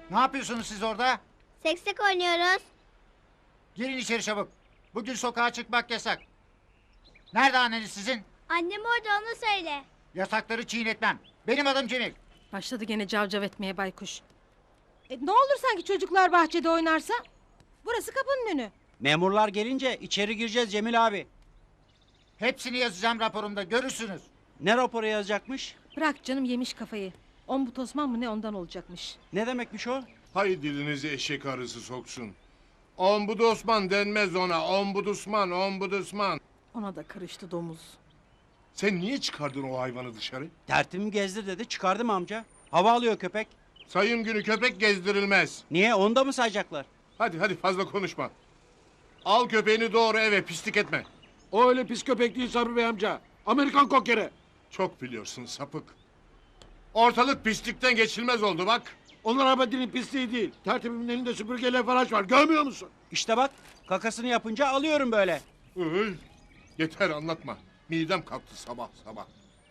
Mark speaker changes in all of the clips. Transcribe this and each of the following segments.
Speaker 1: Ne yapıyorsunuz siz orada?
Speaker 2: Seksek oynuyoruz.
Speaker 1: Girin içeri çabuk. Bugün sokağa çıkmak yasak. Nerede anneniz sizin?
Speaker 2: Annem orada, onu söyle.
Speaker 1: Yasakları çiğnetmem. Benim adım Cemil.
Speaker 3: Başladı gene cavcav etmeye baykuş. Ne olur sanki çocuklar bahçede oynarsa? Burası kapının önü.
Speaker 4: Memurlar gelince içeri gireceğiz Cemil abi.
Speaker 1: Hepsini yazacağım raporumda, görürsünüz.
Speaker 4: Ne raporu yazacakmış?
Speaker 3: Bırak canım, yemiş kafayı. Ombut Osman mı ne, ondan olacakmış.
Speaker 4: Ne demekmiş o?
Speaker 5: Hay dilinizi eşek arısı soksun. Ombud Osman denmez ona. Ombud Osman, Ombud Osman.
Speaker 3: Ona da karıştı domuz.
Speaker 5: Sen niye çıkardın o hayvanı dışarı?
Speaker 4: Tertimi gezdir dedi, çıkardım amca. Hava alıyor köpek.
Speaker 5: Sayım günü köpek gezdirilmez.
Speaker 4: Niye, onda mı sayacaklar?
Speaker 5: Hadi fazla konuşma. Al köpeğini doğru eve, pislik etme.
Speaker 6: O öyle pis köpek değil Sabri Bey amca. Amerikan kokere.
Speaker 5: Çok biliyorsun sapık. Ortalık pislikten geçilmez oldu bak.
Speaker 6: Onlar abadinin pisliği değil. Tertibimin elinde süpürgeyle faraş var. Görmüyor musun?
Speaker 4: İşte bak, kakasını yapınca alıyorum böyle.
Speaker 5: Üy, yeter anlatma. Midem kalktı sabah sabah.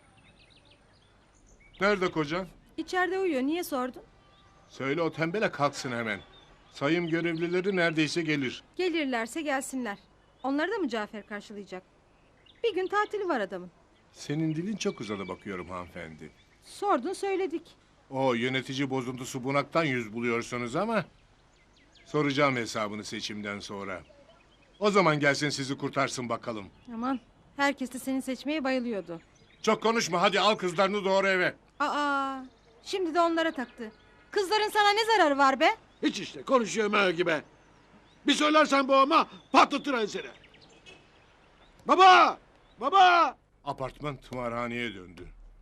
Speaker 5: Nerede kocan?
Speaker 3: İçeride uyuyor, niye sordun?
Speaker 5: Söyle o tembele kalksın hemen. Sayım görevlileri neredeyse gelir.
Speaker 3: Gelirlerse gelsinler. Onları da mı Cafer karşılayacak? Bir gün tatili var adamın.
Speaker 5: Senin dilin çok uzadı bakıyorum hanımefendi.
Speaker 3: Sordun söyledik.
Speaker 5: O yönetici bozuntusu bunaktan yüz buluyorsunuz ama... ...soracağım hesabını seçimden sonra. O zaman gelsin sizi kurtarsın bakalım.
Speaker 3: Aman, herkes de seni seçmeye bayılıyordu.
Speaker 5: Çok konuşma hadi al kızlarını doğru eve.
Speaker 3: Aa, şimdi de onlara taktı. Kızların sana ne zararı var be?
Speaker 6: Hiç işte konuşuyor mö gibi. Bir söylersen babama patlatır enseni. Baba! Baba!
Speaker 5: Apartman tımarhaneye döndü.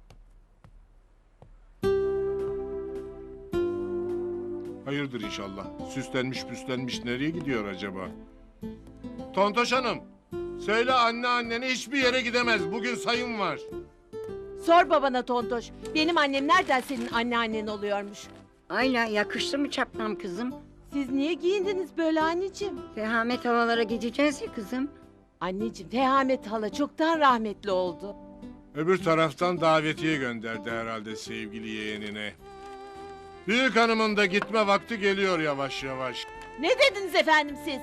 Speaker 5: Hayırdır inşallah. Süslenmiş püslenmiş nereye gidiyor acaba? Tontoş Hanım. Söyle annene hiçbir yere gidemez. Bugün sayım var.
Speaker 7: Sor babana Tontoş. Benim annem nereden senin anneannen oluyormuş?
Speaker 8: Ayla yakıştı mı çapkınım kızım?
Speaker 7: Siz niye giyindiniz böyle anneciğim?
Speaker 8: Fehamet havalara gideceğiz ya kızım.
Speaker 7: Anneciğim, Fehamet hala çoktan rahmetli oldu.
Speaker 5: Öbür taraftan davetiye gönderdi herhalde sevgili yeğenine. Büyük hanımın da gitme vakti geliyor yavaş yavaş.
Speaker 7: Ne dediniz efendim siz?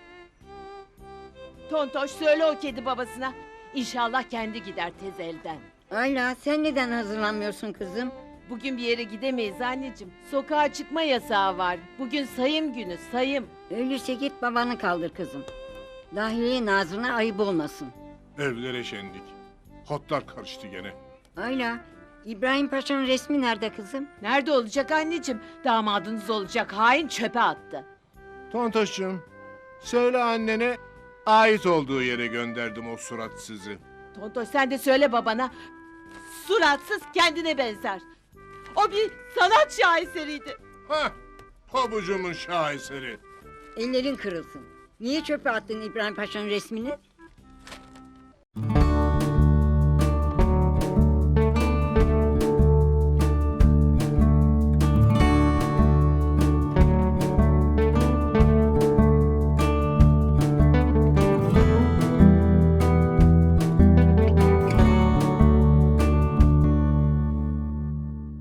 Speaker 7: Tontoş söyle o kedi babasına. İnşallah kendi gider tez elden.
Speaker 8: Ayla sen neden hazırlanmıyorsun kızım?
Speaker 7: Bugün bir yere gidemeyiz anneciğim. Sokağa çıkma yasağı var. Bugün sayım günü, sayım.
Speaker 8: Öyleyse git babanı kaldır kızım. Dahiliye Nazırına ayıp olmasın.
Speaker 5: Evlere şendik. Hotlar karıştı gene.
Speaker 8: Ayla, İbrahim Paşa'nın resmi nerede kızım?
Speaker 7: Nerede olacak anneciğim? Damadınız olacak hain çöpe attı.
Speaker 5: Tontoş'cum, söyle annene ait olduğu yere gönderdim o suratsızı.
Speaker 7: Tontoş sen de söyle babana. Suratsız kendine benzer. O bir sanat şaheseriydi.
Speaker 5: Hah, pabucumun şaheseri.
Speaker 8: Ellerin kırılsın. Niye çöpe attın İbrahim Paşa'nın resmini?